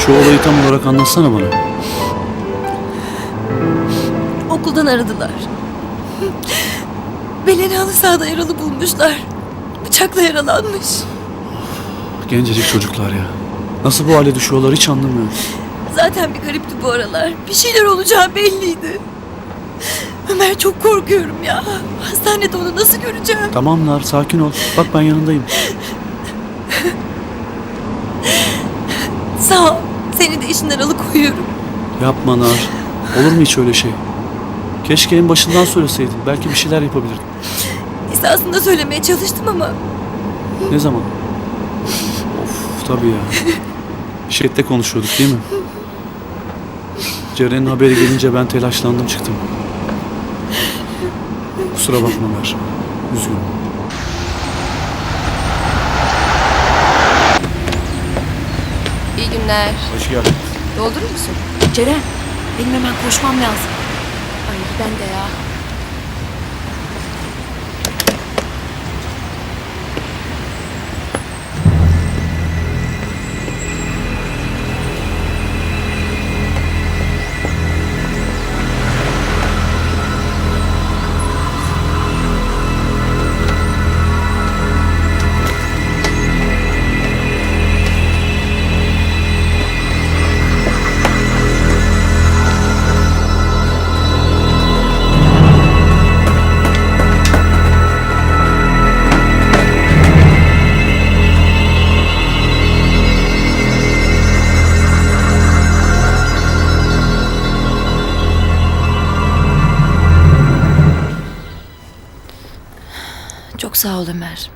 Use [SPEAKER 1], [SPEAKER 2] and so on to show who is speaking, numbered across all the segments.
[SPEAKER 1] Şu olayı tam olarak anlatsana bana.
[SPEAKER 2] Okuldan aradılar. Belen'i halı sahada yaralı bulmuşlar. Bıçakla yaralanmış.
[SPEAKER 1] Gencecik çocuklar ya. Nasıl bu hale düşüyorlar hiç anlamıyorum.
[SPEAKER 2] Zaten bir garipti bu aralar. Bir şeyler olacağı belliydi. Ömer, çok korkuyorum ya. Hastanede onu nasıl göreceğim?
[SPEAKER 1] Tamam Nar, sakin ol. Bak ben yanındayım.
[SPEAKER 2] Sağ ol. Seni de işinden alıkoyuyorum.
[SPEAKER 1] Yapma Nar. Olur mu hiç öyle şey? Keşke en başından söyleseydin. Belki bir şeyler yapabilirdim.
[SPEAKER 2] Esasında söylemeye çalıştım ama
[SPEAKER 1] Ne zaman? Of tabii ya. Şirkette konuşuyorduk değil mi? Ceren'in haberi gelince ben telaşlandım çıktım. Kusura bakma Mer. Üzgünüm.
[SPEAKER 3] İyi günler.
[SPEAKER 1] Hoş geldin.
[SPEAKER 3] Doldurur musun?
[SPEAKER 2] Ceren, benim hemen koşmam lazım.
[SPEAKER 3] Ay ben de ya.
[SPEAKER 2] Çok sağ ol Ömer.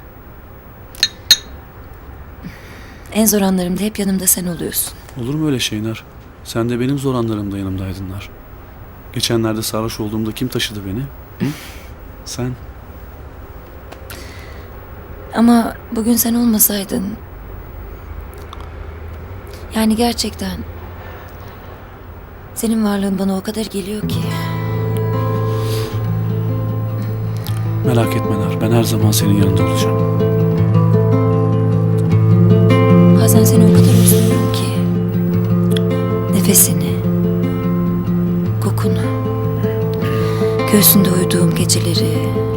[SPEAKER 2] En zor anlarımda hep yanımda sen oluyorsun.
[SPEAKER 1] Olur mu öyle şey Nar? Sen de benim zor anlarımda yanımdaydın Nar. Geçenlerde sarhoş olduğumda kim taşıdı beni? Hı? Sen.
[SPEAKER 2] Ama bugün sen olmasaydın... Yani gerçekten... Senin varlığın bana o kadar geliyor ki...
[SPEAKER 1] Merak etme Nar. Ben her zaman senin yanında olacağım.
[SPEAKER 2] Bazen seni o kadar özlüyorum ki... Nefesini... Kokunu... Göğsünde uyuduğum geceleri...